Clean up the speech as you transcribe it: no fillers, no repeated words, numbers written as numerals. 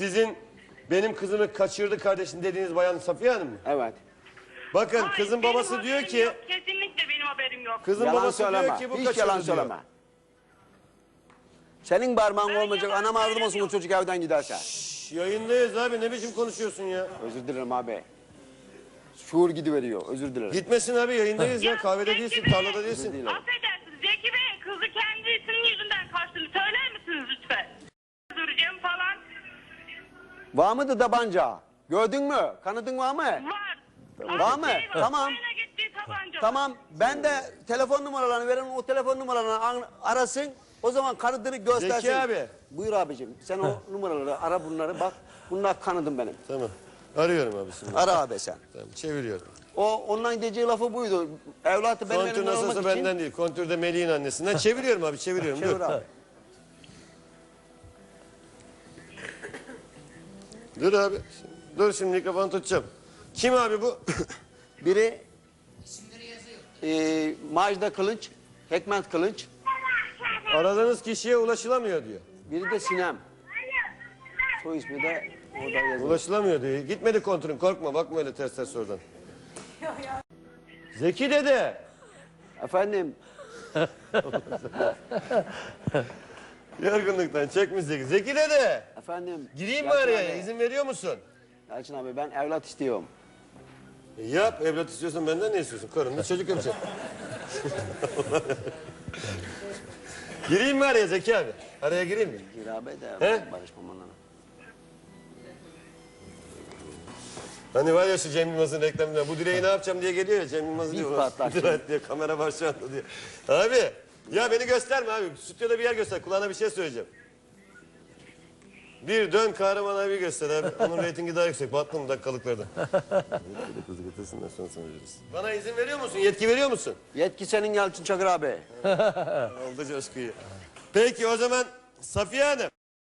Sizin benim kızımı kaçırdı kardeşim dediğiniz bayan Safiye Hanım mı? Evet. Bakın Hayır, kızın benim babası diyor haberim ki... yok. Kesinlikle benim haberim yok. Kızın Yalan babası söyleme. diyor ki bu Hiç kaçırdı yalan diyor. söyleme. Senin parmağın Ben olmayacak. yalan Anam ağrıdım olsun o söylemiyorum. çocuk evden giderse. Şş, yayındayız abi, ne biçim konuşuyorsun ya? Özür dilerim abi. Şuur gidiveriyor. Özür dilerim. Gitmesin abi, yayındayız ya. Kahvede Zeki değilsin, Bey, tarlada değilsin. affedersiniz Zeki Bey, kızı kendisinin yüzünden kaçtığını söyler misiniz lütfen? Duracağım falan. Var mıydı tabanca? Gördün mü? Kanıtın var mı? Var. Var mı? Tamam. Ukrayna gittiği tabanca. Tamam. Ben de telefon numaralarını verin. O telefon numaralarını arasın. O zaman kanıtını göstersin. Zeki abi. Buyur abicim. Sen o numaraları ara, bunları bak. Bunlar kanıtım benim. Tamam. Arıyorum abi şimdi. Ara abi sen. Tamam, çeviriyorum. Ondan diyeceği lafı buydu. Evlatı benim Kontür elimden almak nasılsa için. benden değil. Kontür de Melih'in annesinden. Çeviriyorum abi, çeviriyorum. Çevir Dur. abi. Dur abi. Dur şimdi mikrofonu tutacağım. Kim abi bu? Biri Macda Kılınç, Hekmet Kılınç. Aradığınız kişiye ulaşılamıyor diyor. Biri de Sinem. Soy ismi de orada yazıyor. Ulaşılamıyor diyor. Gitmedi kontürün, korkma, bakma öyle ters ters oradan. Zeki dede. Efendim, Yorgunluktan çekmiş Zeki. Zeki dede. efendim. Gireyim mi Yalçın araya? abi, İzin veriyor musun? Yalçın abi ben evlat istiyorum. Yap, evlat istiyorsan benden ne istiyorsun? Karınla çocuk yapacak. Gireyim mi araya Zeki abi? Araya gireyim mi? Gir abi de He? barışmam onunla. Hani var ya şu Cem Yılmaz'ın reklamında, bu direği ne yapacağım diye geliyor ya, Cem Yılmaz diyor. patlar "Direği" diye, kamera var şu anda diyor. Abi, ya beni gösterme abi. Stüdyoda bir yer göster, kulağına bir şey söyleyeceğim. Bir dön Kahraman abi göster abi. Onun reytingi daha yüksek. Battım dakikalıklarda. Bana izin veriyor musun? Yetki veriyor musun? Yetki senin Yalçın Çakır abi. Oldu coşkuyu. Peki o zaman Safiye Hanım.